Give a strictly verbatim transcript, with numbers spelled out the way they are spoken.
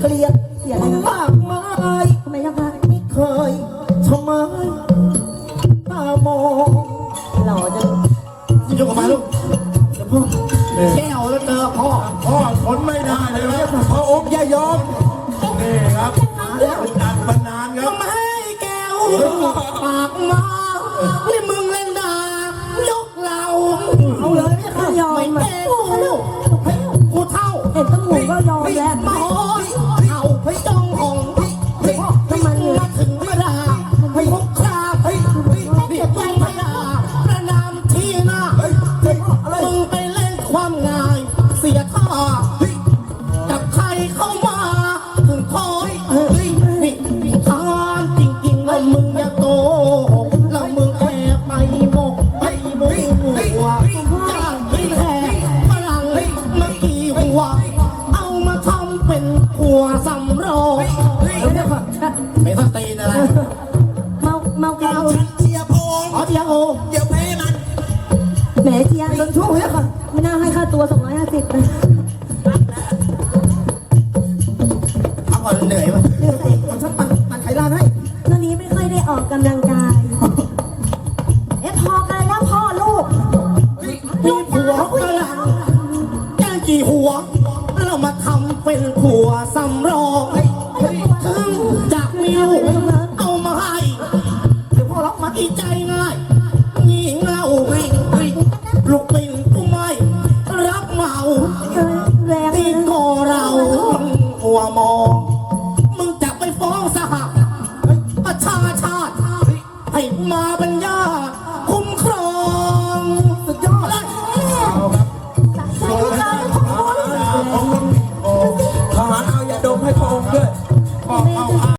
เกลียดเกลียดอะไรนะมากมายทำไมเจ้าค่ะไม่เคยทำไมตามองหล่อจังยกออกมาลูกเดี๋ยวพ่อแก้วแล้วเจอพ่อพ่อทนไม่ได้เลยครับพ่อองค์อย่ายอมนี่ครับเป็นการบรรนานครับทำไมแก้วปากมานี่มึงเล่นด่ายกเราเอาเลยไม่ไม่ยอมไม่อ่ะแก้วกูเท่าเห็นตำรวจก็ยอมแล้วมาโอ้ยเอาไปจ้องของเฮ้ยน้ำมันมาถึงมาด่าเฮ้ยพกคราเฮ้ยนี่มึงมาด่าประนามที่หน้ามึงไปเล่นความง่ายเสียท่ากับใครเข้ามาถึงคอยเฮ้ยนี่ทานจริงๆแล้วมึงอย่าโกหกแล้วมึงแอบไปโมกไปโมหัวจ้างไปแทนฝรั่งมากี่หัวเอามาทำเป็นหัวสำรองเดี๋ยวก่อนไม่ต้องตีนอะไรเมาเมาแก้วฉันเชียร์พงอ๋อเชียร์โอเดี๋ยวแพ้มันแหมเจียโดนช่วงเฮ้ยค่ะไม่น่าให้ค่าตัวสองร้อยห้าสิบเลยพักผ่อนเหนื่อยมั้ยผมชอบปั่นปั่นไขลานให้ตอนนี้ไม่ค่อยได้ออกกำลังกาย เอ๊ะพอกันแล้วพ่อลูกมีผัวฝรั่งแกกี่หัวเรามาทำเป็นผัวสำรองถึงจากมีลูกเอามาให้เดี๋ยวพ่อรับมาอีใจง่ายงี่เง่าวิ่งวิ่งลูกปิ่นกูไม่รับเมาเออแรงเลที่ยนะก็เราหัวมองมึงจะไปฟ้องสหประชาชาติให้มาบรรยาคุ้มครองสุดยอดเลยทหารเอาอย่าดมให้พระองค์ด้วย